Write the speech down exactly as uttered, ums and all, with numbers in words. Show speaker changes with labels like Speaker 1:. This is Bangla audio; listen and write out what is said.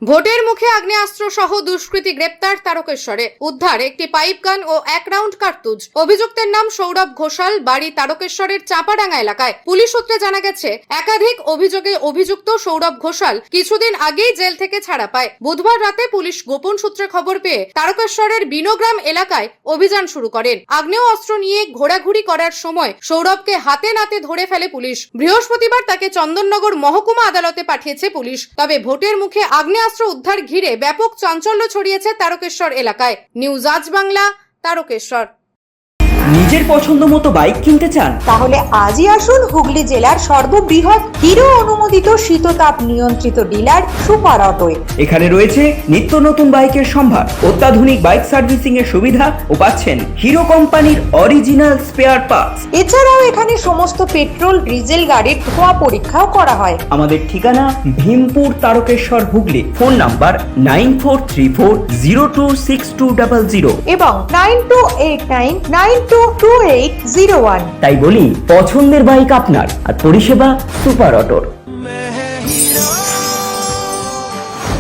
Speaker 1: ভোটের মুখে আগ্নেয়াস্ত্র সহ দুষ্কৃতী গ্রেপ্তার তারকেশ্বরে। উদ্ধার একটি পাইপ গান ও এক রাউন্ড কার্তুজ। অভিযুক্তের নাম সৌরভ ঘোষাল, বাড়ি তারকেশ্বরের চাপাডাঙ্গা এলাকায়। পুলিশ সূত্রে জানা গেছে, একাধিক অভিযোগে অভিযুক্ত সৌরভ ঘোষাল কিছুদিন আগেই জেল থেকে ছাড়া পায়। বুধবার রাতে পুলিশ গোপন সূত্রে খবর পেয়ে তারকেশ্বরের বিনোগ্রাম এলাকায় অভিযান শুরু করেন। আগ্নেয় অস্ত্র নিয়ে ঘোরাঘুরি করার সময় সৌরভকে হাতে নাতে ধরে ফেলে পুলিশ। বৃহস্পতিবার তাকে চন্দননগর মহকুমা আদালতে পাঠিয়েছে পুলিশ। তবে ভোটের মুখে আগ্নেয়াস্ত্র উদ্ধার ঘিরে ব্যাপক চাঞ্চল্য ছড়িয়েছে তারকেশ্বর এলাকায়। নিউজ আজ বাংলা, তারকেশ্বর।
Speaker 2: নিজের পছন্দ মতো বাইক কিনতে চান?
Speaker 3: তাহলে আজই আসুন হুগলি জেলার সর্ববৃহৎ হিরো অনুমোদিত শীততাপ নিয়ন্ত্রিত ডিলার সুপার অটোয়।
Speaker 2: এখানে রয়েছে নিত্য নতুন বাইকের সম্ভার, অত্যাধুনিক বাইক সার্ভিসিং এর সুবিধা ও পাচ্ছেন হিরো কোম্পানির অরিজিনাল স্পেয়ার পার্টস।
Speaker 3: এছাড়াও এখানে সমস্ত পেট্রোল ডিজেল গাড়ির ধোঁয়া পরীক্ষাও করা হয়।
Speaker 2: আমাদের ঠিকানা Bhimpur, Tarakeswar, Hooghly. Phone number nine four three four zero two six two double zero
Speaker 3: এবং nine two eight nine nine two two eight zero one.
Speaker 2: তাই বলি, পছন্দের বাইক আপনার আর পরিষেবা সুপার অটোর।